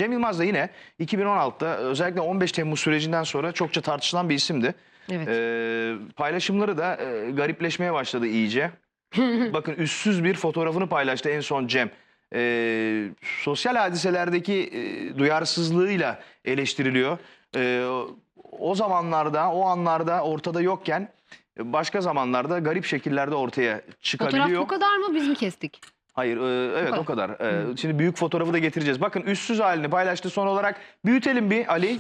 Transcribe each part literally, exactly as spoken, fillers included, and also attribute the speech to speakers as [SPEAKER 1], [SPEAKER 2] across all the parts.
[SPEAKER 1] Cem Yılmaz da yine iki bin on altıda özellikle on beş Temmuz sürecinden sonra çokça tartışılan bir isimdi.
[SPEAKER 2] Evet.
[SPEAKER 1] Ee, paylaşımları da e, garipleşmeye başladı iyice. Bakın üstsüz bir fotoğrafını paylaştı en son Cem. Ee, sosyal hadiselerdeki e, duyarsızlığıyla eleştiriliyor. Ee, o zamanlarda, o anlarda ortada yokken başka zamanlarda garip şekillerde ortaya çıkabiliyor.
[SPEAKER 2] Fotoğraf bu kadar mı? Biz mi kestik?
[SPEAKER 1] Hayır, e, evet o kadar. E,
[SPEAKER 2] Hmm.
[SPEAKER 1] Şimdi büyük fotoğrafı da getireceğiz. Bakın üstsüz halini paylaştı. Son olarak büyütelim bir Ali.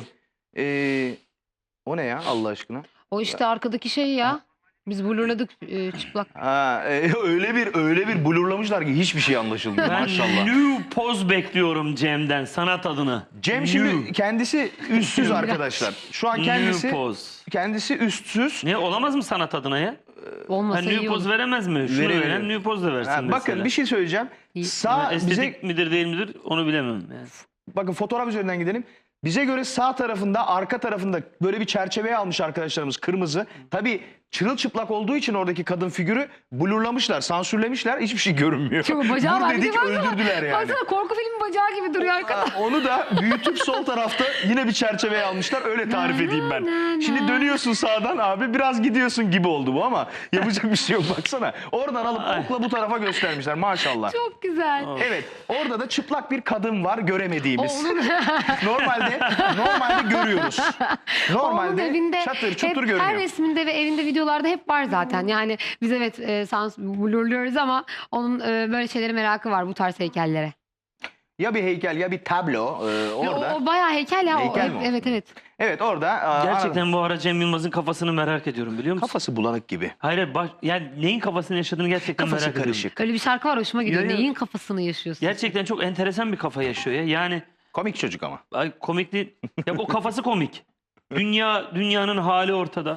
[SPEAKER 1] E, o ne ya Allah aşkına?
[SPEAKER 2] O işte arkadaki şey ya. Biz blurladık e, çıplak.
[SPEAKER 1] Ha, e, öyle bir öyle bir blurlamışlar ki hiçbir şey anlaşılmıyor
[SPEAKER 3] Ben
[SPEAKER 1] maşallah.
[SPEAKER 3] new poz bekliyorum Cem'den, sanat adına.
[SPEAKER 1] Cem
[SPEAKER 3] New.
[SPEAKER 1] şimdi kendisi üstsüz arkadaşlar. Şu an kendisi
[SPEAKER 3] New poz.
[SPEAKER 1] kendisi üstsüz.
[SPEAKER 3] Ne olamaz mı sanat adına ya?
[SPEAKER 2] Olmasa
[SPEAKER 3] Ha, new
[SPEAKER 2] iyi
[SPEAKER 3] poz
[SPEAKER 2] olur.
[SPEAKER 3] veremez mi? Şunu
[SPEAKER 1] Verebilir.
[SPEAKER 3] veren new poz da versin
[SPEAKER 1] Ha,
[SPEAKER 3] mesela.
[SPEAKER 1] bakın bir şey söyleyeceğim.
[SPEAKER 2] İyi.
[SPEAKER 1] Sağ
[SPEAKER 3] Estetik
[SPEAKER 1] bize
[SPEAKER 3] midir değil midir onu bilemem. Yani.
[SPEAKER 1] bakın fotoğraf üzerinden gidelim. Bize göre sağ tarafında, arka tarafında böyle bir çerçeveye almış arkadaşlarımız kırmızı. Tabii çırılçıplak olduğu için oradaki kadın figürü blurlamışlar, sansürlemişler. Hiçbir şey görünmüyor.
[SPEAKER 2] Şu bacağı
[SPEAKER 1] Vur
[SPEAKER 2] var. Bir de
[SPEAKER 1] dedik
[SPEAKER 2] baksana,
[SPEAKER 1] öldürdüler yani.
[SPEAKER 2] Baksana korku filmi bacağı gibi duruyor arkada.
[SPEAKER 1] Ha, onu da büyütüp sol tarafta yine bir çerçeveye almışlar. Öyle tarif edeyim ben. Şimdi dönüyorsun sağdan abi biraz gidiyorsun gibi oldu bu ama yapacak bir şey yok baksana. Oradan alıp okla bu tarafa göstermişler maşallah.
[SPEAKER 2] Çok güzel.
[SPEAKER 1] Evet orada da çıplak bir kadın var göremediğimiz.
[SPEAKER 2] Onun,
[SPEAKER 1] Normalde normalde görüyoruz.
[SPEAKER 2] onun
[SPEAKER 1] Normalde
[SPEAKER 2] evinde
[SPEAKER 1] çatır
[SPEAKER 2] hep,
[SPEAKER 1] çutur
[SPEAKER 2] her
[SPEAKER 1] görünüyor.
[SPEAKER 2] resminde ve evinde videolarda hep var zaten. Yani biz evet e, sans blurluyoruz ama onun e, böyle şeylere merakı var bu tarz heykellere.
[SPEAKER 1] Ya bir heykel ya bir tablo e, orada.
[SPEAKER 2] O, o bayağı heykel ya.
[SPEAKER 1] Heykel
[SPEAKER 2] o,
[SPEAKER 1] mi o?
[SPEAKER 2] evet evet.
[SPEAKER 1] Evet orada. e,
[SPEAKER 3] Gerçekten bu ara Cem Yılmaz'ın kafasını merak ediyorum biliyor musun?
[SPEAKER 1] kafası bulanık gibi.
[SPEAKER 3] Hayır, baş, yani neyin kafasını yaşadığını gerçekten
[SPEAKER 1] Kafası
[SPEAKER 3] merak ediyorum.
[SPEAKER 1] karışık.
[SPEAKER 2] Öyle bir şarkı var hoşuma gidiyor.
[SPEAKER 3] Ya, ya.
[SPEAKER 2] Neyin kafasını yaşıyorsun?
[SPEAKER 3] Gerçekten çok enteresan bir kafa yaşıyor ya. Yani
[SPEAKER 1] Komik çocuk ama.
[SPEAKER 3] ay, komikli, ya o kafası komik. Dünya dünyanın hali ortada.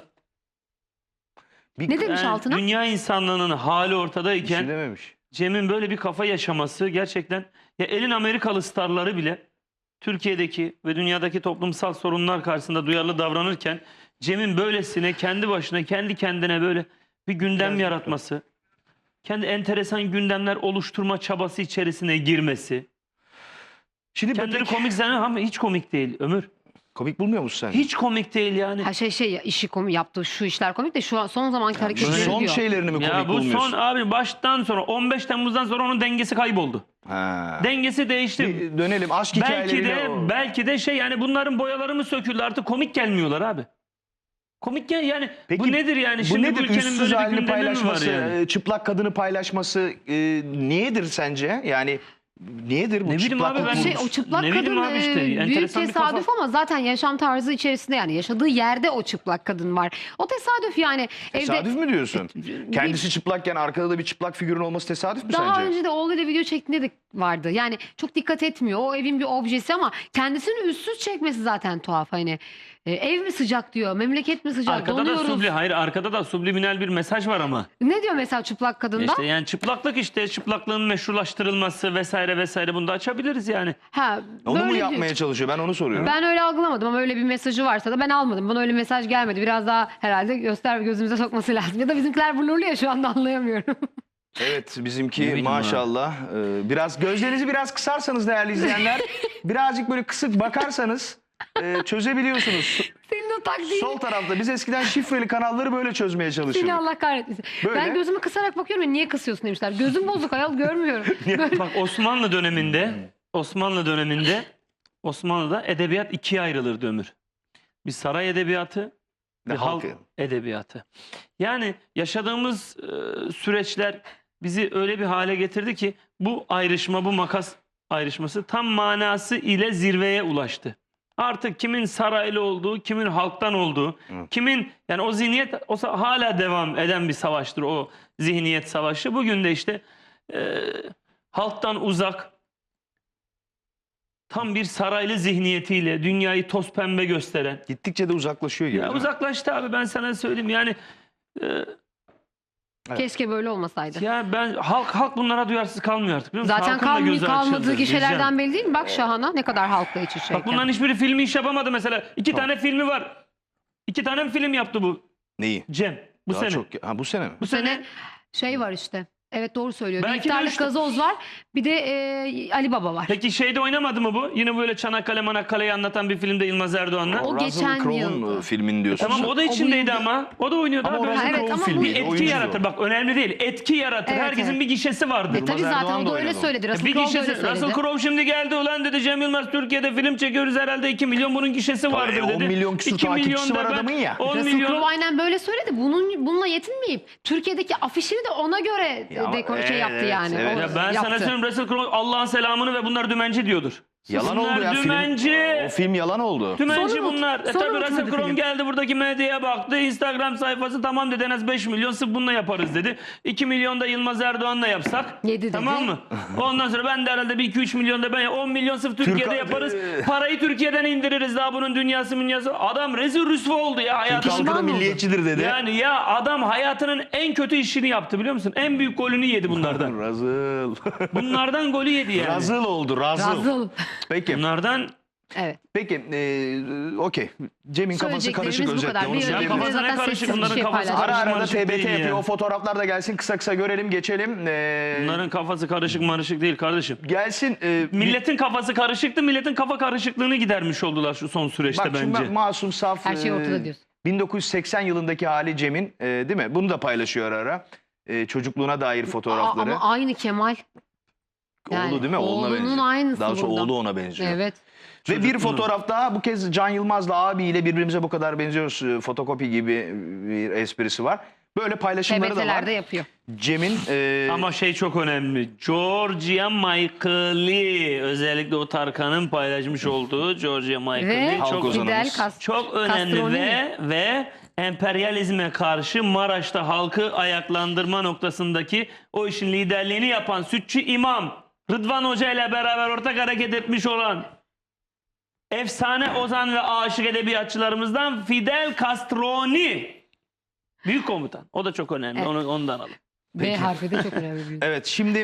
[SPEAKER 1] Bir,
[SPEAKER 2] Ne demiş
[SPEAKER 3] Yani
[SPEAKER 2] altına?
[SPEAKER 3] dünya insanlığının hali
[SPEAKER 1] bir şey
[SPEAKER 3] ortadayken
[SPEAKER 1] dememiş.
[SPEAKER 3] Cem'in böyle bir kafa yaşaması gerçekten, ya elin Amerikalı starları bile Türkiye'deki ve dünyadaki toplumsal sorunlar karşısında duyarlı davranırken Cem'in böylesine kendi başına kendi kendine böyle bir gündem
[SPEAKER 1] Biraz
[SPEAKER 3] yaratması, kendi enteresan gündemler oluşturma çabası içerisine girmesi.
[SPEAKER 1] Şimdi
[SPEAKER 3] Kendini
[SPEAKER 1] Bebek-
[SPEAKER 3] komik zannediyor ama hiç komik değil Ömür.
[SPEAKER 1] komik bulmuyor musun sen?
[SPEAKER 3] Hiç komik değil yani.
[SPEAKER 2] Ha şey şey işi komik yaptığı şu işler komik de şu an son zamanki
[SPEAKER 1] Şu
[SPEAKER 2] hareketleri
[SPEAKER 1] son
[SPEAKER 2] diyor.
[SPEAKER 1] şeylerini mi komik
[SPEAKER 3] Ya bu
[SPEAKER 1] bulmuyorsun?
[SPEAKER 3] son abi baştan sonra on beş Temmuz'dan sonra onun dengesi kayboldu.
[SPEAKER 1] Ha.
[SPEAKER 3] Dengesi değişti.
[SPEAKER 1] Bir dönelim aşk
[SPEAKER 3] Belki
[SPEAKER 1] hikayeleriyle.
[SPEAKER 3] de
[SPEAKER 1] o-
[SPEAKER 3] belki de şey yani bunların boyaları mı söküldü artık komik gelmiyorlar abi. Komik gel yani
[SPEAKER 1] Peki,
[SPEAKER 3] bu nedir yani
[SPEAKER 1] bu
[SPEAKER 3] şimdi bu
[SPEAKER 1] nedir
[SPEAKER 3] ülkenin
[SPEAKER 1] üstsüz
[SPEAKER 3] böyle bir
[SPEAKER 1] halini
[SPEAKER 3] gündemi mi var
[SPEAKER 1] paylaşması,
[SPEAKER 3] yani?
[SPEAKER 1] e, çıplak kadını paylaşması e, niyedir sence? Yani niyedir bu
[SPEAKER 3] Ne bileyim
[SPEAKER 1] çıplak
[SPEAKER 3] abi, ben-
[SPEAKER 2] Şey, o çıplak
[SPEAKER 3] Ne bileyim
[SPEAKER 2] kadın
[SPEAKER 3] abi işte,
[SPEAKER 2] e, büyük
[SPEAKER 3] enteresan bir
[SPEAKER 2] tesadüf
[SPEAKER 3] kafa.
[SPEAKER 2] ama zaten yaşam tarzı içerisinde yani yaşadığı yerde o çıplak kadın var. O tesadüf yani.
[SPEAKER 1] Tesadüf
[SPEAKER 2] evde,
[SPEAKER 1] mü diyorsun?
[SPEAKER 2] bir-
[SPEAKER 1] Kendisi çıplakken arkada da bir çıplak figürün olması tesadüf mü
[SPEAKER 2] Daha
[SPEAKER 1] sence?
[SPEAKER 2] önce de oğluyla video çektiğinde de vardı. Yani çok dikkat etmiyor. O evin bir objesi ama kendisini üstsüz çekmesi zaten tuhaf. Hani e, ev mi sıcak diyor, memleket mi sıcak,
[SPEAKER 3] Arkada da
[SPEAKER 2] donuyoruz.
[SPEAKER 3] subli, hayır arkada da subliminal bir mesaj var ama.
[SPEAKER 2] Ne diyor mesela çıplak kadında?
[SPEAKER 3] İşte yani çıplaklık işte çıplaklığın meşrulaştırılması vesaire vesaire bunu da açabiliriz yani.
[SPEAKER 2] Ha,
[SPEAKER 1] Onu mu
[SPEAKER 2] böyle
[SPEAKER 1] yapmaya
[SPEAKER 2] diyor.
[SPEAKER 1] çalışıyor? Ben onu soruyorum.
[SPEAKER 2] Ben öyle algılamadım ama öyle bir mesajı varsa da ben almadım. Bana öyle mesaj gelmedi. Biraz daha herhalde göster gözümüze sokması lazım. Ya da bizimkiler blurlu ya şu anda anlayamıyorum.
[SPEAKER 1] Evet
[SPEAKER 3] Ne
[SPEAKER 1] bizimki
[SPEAKER 3] bileyim
[SPEAKER 1] maşallah. e, biraz gözlerinizi biraz kısarsanız değerli izleyenler, birazcık böyle kısık bakarsanız e, çözebiliyorsunuz.
[SPEAKER 2] Senin o taktiğin.
[SPEAKER 1] Sol tarafta biz eskiden şifreli kanalları böyle çözmeye
[SPEAKER 2] Seni
[SPEAKER 1] çalışıyorduk.
[SPEAKER 2] Allah kahretmesin.
[SPEAKER 1] Böyle.
[SPEAKER 2] Ben gözümü kısarak bakıyorum ya niye kısıyorsun demişler. Gözüm bozuk ayol görmüyorum. Böyle.
[SPEAKER 3] Bak Osmanlı döneminde Osmanlı döneminde Osmanlı'da edebiyat ikiye ayrılırdı Ömür. Bir saray edebiyatı, bir
[SPEAKER 1] Ve
[SPEAKER 3] halk
[SPEAKER 1] halkı.
[SPEAKER 3] edebiyatı. Yani yaşadığımız e, süreçler bizi öyle bir hale getirdi ki bu ayrışma, bu makas ayrışması tam manası ile zirveye ulaştı. Artık kimin saraylı olduğu, kimin halktan olduğu,
[SPEAKER 1] Evet.
[SPEAKER 3] kimin yani o zihniyet o sa- hala devam eden bir savaştır o zihniyet savaşı. Bugün de işte e, halktan uzak, tam bir saraylı zihniyetiyle dünyayı toz pembe gösteren.
[SPEAKER 1] Gittikçe de uzaklaşıyor gibi.
[SPEAKER 3] Ya
[SPEAKER 1] değil mi?
[SPEAKER 3] uzaklaştı abi ben sana söyleyeyim yani e,
[SPEAKER 2] Keşke böyle olmasaydı.
[SPEAKER 3] ya ben halk halk bunlara duyarsız kalmıyor artık biliyor musun?
[SPEAKER 2] Zaten
[SPEAKER 3] Halkın da
[SPEAKER 2] kalmıyor,
[SPEAKER 3] gözü
[SPEAKER 2] kalmadığı
[SPEAKER 3] açıldı,
[SPEAKER 2] gişelerden
[SPEAKER 3] diyeceğim.
[SPEAKER 2] belli değil mi? Bak Şahan'a ne kadar halkla iç içeyken.
[SPEAKER 3] Bak bunların hiçbiri filmi iş yapamadı mesela. İki
[SPEAKER 1] Tamam.
[SPEAKER 3] tane filmi var. İki tane mi film yaptı bu
[SPEAKER 1] Neyi?
[SPEAKER 3] Cem bu
[SPEAKER 1] Daha
[SPEAKER 3] sene.
[SPEAKER 1] çok. Ha bu sene mi?
[SPEAKER 3] Bu
[SPEAKER 2] Bu
[SPEAKER 3] sene
[SPEAKER 2] sene şey var işte. Evet doğru söylüyor. Bir
[SPEAKER 3] Belki de
[SPEAKER 2] iftarlık
[SPEAKER 3] işte-
[SPEAKER 2] gazoz var. Bir de e, Ali Baba var.
[SPEAKER 3] Peki şeyde oynamadı mı bu? Yine böyle Çanakkale Manakkale'yi anlatan bir filmde Yılmaz Erdoğan'la.
[SPEAKER 2] O
[SPEAKER 1] Russell
[SPEAKER 2] geçen
[SPEAKER 1] Crowe'un
[SPEAKER 2] yıldı.
[SPEAKER 1] e, filmini diyorsun.
[SPEAKER 3] Tamam o da
[SPEAKER 2] O bu
[SPEAKER 3] içindeydi
[SPEAKER 2] yıl-
[SPEAKER 3] ama. O da oynuyordu
[SPEAKER 1] Ama
[SPEAKER 3] abi.
[SPEAKER 1] o Russell
[SPEAKER 2] Evet,
[SPEAKER 1] Crowe
[SPEAKER 2] ama bu-
[SPEAKER 1] filmi.
[SPEAKER 3] Bir etki
[SPEAKER 1] oyuncu
[SPEAKER 3] yaratır.
[SPEAKER 1] o.
[SPEAKER 3] Bak önemli değil. Etki yaratır.
[SPEAKER 2] Evet,
[SPEAKER 3] Herkesin
[SPEAKER 2] evet.
[SPEAKER 3] bir gişesi vardır.
[SPEAKER 2] E, tabii
[SPEAKER 1] Yılmaz
[SPEAKER 2] zaten
[SPEAKER 1] Erdoğan
[SPEAKER 2] o
[SPEAKER 1] da
[SPEAKER 2] da öyle
[SPEAKER 1] oynadı.
[SPEAKER 2] söyledi. Russell
[SPEAKER 3] Bir
[SPEAKER 2] Crowe da öyle
[SPEAKER 3] gişesi,
[SPEAKER 2] söyledi.
[SPEAKER 3] Russell Crowe şimdi geldi ulan dedi Cem Yılmaz Türkiye'de film çekiyoruz herhalde iki milyon bunun gişesi vardır
[SPEAKER 1] e, on
[SPEAKER 3] dedi.
[SPEAKER 1] milyon küsur
[SPEAKER 3] iki
[SPEAKER 1] takipçisi
[SPEAKER 3] milyon
[SPEAKER 1] var
[SPEAKER 3] da ben-
[SPEAKER 1] adamın ya.
[SPEAKER 3] on
[SPEAKER 2] Russell
[SPEAKER 3] milyon.
[SPEAKER 2] Crowe aynen böyle söyledi. Bunun bununla yetinmeyip Türkiye'deki afişini de ona göre
[SPEAKER 1] Ya,
[SPEAKER 2] dekor şey
[SPEAKER 1] evet,
[SPEAKER 2] yaptı yani.
[SPEAKER 1] evet.
[SPEAKER 2] O
[SPEAKER 3] Ya ben
[SPEAKER 2] yaptı.
[SPEAKER 3] sana söyleyeyim Russell Crowe Allah'ın selamını ve bunlar dümenci diyordur.
[SPEAKER 1] Yalan
[SPEAKER 3] Bunlar
[SPEAKER 1] oldu ya
[SPEAKER 3] dümenci.
[SPEAKER 1] film. O film yalan oldu.
[SPEAKER 3] Dümenci
[SPEAKER 2] Sonra unut-
[SPEAKER 3] bunlar. E
[SPEAKER 2] sonra
[SPEAKER 3] tabi Russell
[SPEAKER 2] unutmadı
[SPEAKER 3] Crowe
[SPEAKER 2] film.
[SPEAKER 3] geldi buradaki medyaya baktı. Instagram sayfası tamam dedi en az beş milyon sırf bununla yaparız dedi. iki milyon da Yılmaz Erdoğan'la yapsak.
[SPEAKER 2] Yedi dedi.
[SPEAKER 3] Tamam mı? Ondan sonra ben de herhalde bir iki üç milyon da ben on milyon sırf Türkiye'de
[SPEAKER 1] Türk-
[SPEAKER 3] yaparız. Parayı Türkiye'den indiririz daha bunun dünyası dünyası. Adam rezil rüsva oldu ya
[SPEAKER 1] Türk
[SPEAKER 3] hayatı.
[SPEAKER 1] halkı da
[SPEAKER 2] oldu.
[SPEAKER 1] milliyetçidir dedi.
[SPEAKER 3] Yani ya adam hayatının en kötü işini yaptı biliyor musun? En büyük golünü yedi bunlardan.
[SPEAKER 1] Razıl.
[SPEAKER 3] Bunlardan golü yedi yani.
[SPEAKER 1] Razıl oldu, razıl.
[SPEAKER 2] Razıl.
[SPEAKER 1] Peki,
[SPEAKER 3] Bunlardan
[SPEAKER 2] Evet.
[SPEAKER 1] peki, e, okey. Cem'in kafası karışık
[SPEAKER 2] Söyleyeceklerimiz bu
[SPEAKER 1] özetle.
[SPEAKER 2] kadar.
[SPEAKER 1] Onu
[SPEAKER 2] Bir
[SPEAKER 3] Ya
[SPEAKER 1] söyleyebilirim.
[SPEAKER 2] önceki
[SPEAKER 3] kafası ne
[SPEAKER 2] zaten
[SPEAKER 3] karışık
[SPEAKER 2] sessiz bir
[SPEAKER 3] bunların
[SPEAKER 2] şey
[SPEAKER 3] kafası
[SPEAKER 2] paylaştı.
[SPEAKER 1] Ara ara da
[SPEAKER 3] karışık
[SPEAKER 1] T B T
[SPEAKER 3] değil
[SPEAKER 1] yapıyor.
[SPEAKER 3] ya.
[SPEAKER 1] O fotoğraflar da gelsin. Kısa kısa görelim, geçelim. Ee,
[SPEAKER 3] bunların kafası karışık marışık değil kardeşim.
[SPEAKER 1] gelsin. e,
[SPEAKER 3] Milletin kafası karışıktı. Milletin kafa karışıklığını gidermiş oldular şu son süreçte
[SPEAKER 1] Bak şimdi
[SPEAKER 3] bence.
[SPEAKER 1] bak, masum, saf.
[SPEAKER 2] Her şey
[SPEAKER 1] e,
[SPEAKER 2] ortada diyorsun.
[SPEAKER 1] bin dokuz yüz seksen yılındaki hali Cem'in, e, değil mi? Bunu da paylaşıyor ara ara. E, çocukluğuna dair
[SPEAKER 2] Aa,
[SPEAKER 1] fotoğrafları.
[SPEAKER 2] ama aynı Kemal.
[SPEAKER 1] oğlu değil mi? Oğluna
[SPEAKER 2] Oğlunun
[SPEAKER 1] benziyor.
[SPEAKER 2] aynısı
[SPEAKER 1] Daha sonra
[SPEAKER 2] burada.
[SPEAKER 1] oğlu ona benziyor.
[SPEAKER 2] Evet.
[SPEAKER 1] Ve bir
[SPEAKER 3] Çocukluğu.
[SPEAKER 1] fotoğraf daha, bu kez Can Yılmaz'la abiyle birbirimize bu kadar benziyoruz. e, Fotokopi gibi bir esprisi var. Böyle paylaşımları da var.
[SPEAKER 2] T B T'lerde yapıyor.
[SPEAKER 1] Cem'in e,
[SPEAKER 3] Ama şey çok önemli. Georgia Michael'i özellikle o Tarkan'ın paylaşmış olduğu Georgia Michael'i
[SPEAKER 2] Ve
[SPEAKER 1] Halk
[SPEAKER 3] çok,
[SPEAKER 1] ozanı.
[SPEAKER 2] Fidel
[SPEAKER 1] ozanımız.
[SPEAKER 2] Castro.
[SPEAKER 3] çok önemli
[SPEAKER 2] Castroni.
[SPEAKER 3] ve ve emperyalizme karşı Maraş'ta halkı ayaklandırma noktasındaki o işin liderliğini yapan Sütçü İmam Rıdvan Hoca ile beraber ortak hareket etmiş olan efsane ozan ve aşık edebiyatçılarımızdan Fidel Castroni. Büyük komutan. O da çok önemli.
[SPEAKER 2] Evet.
[SPEAKER 3] Onu ondan alın.
[SPEAKER 2] B harfi de çok önemli. bir-
[SPEAKER 1] Evet, şimdi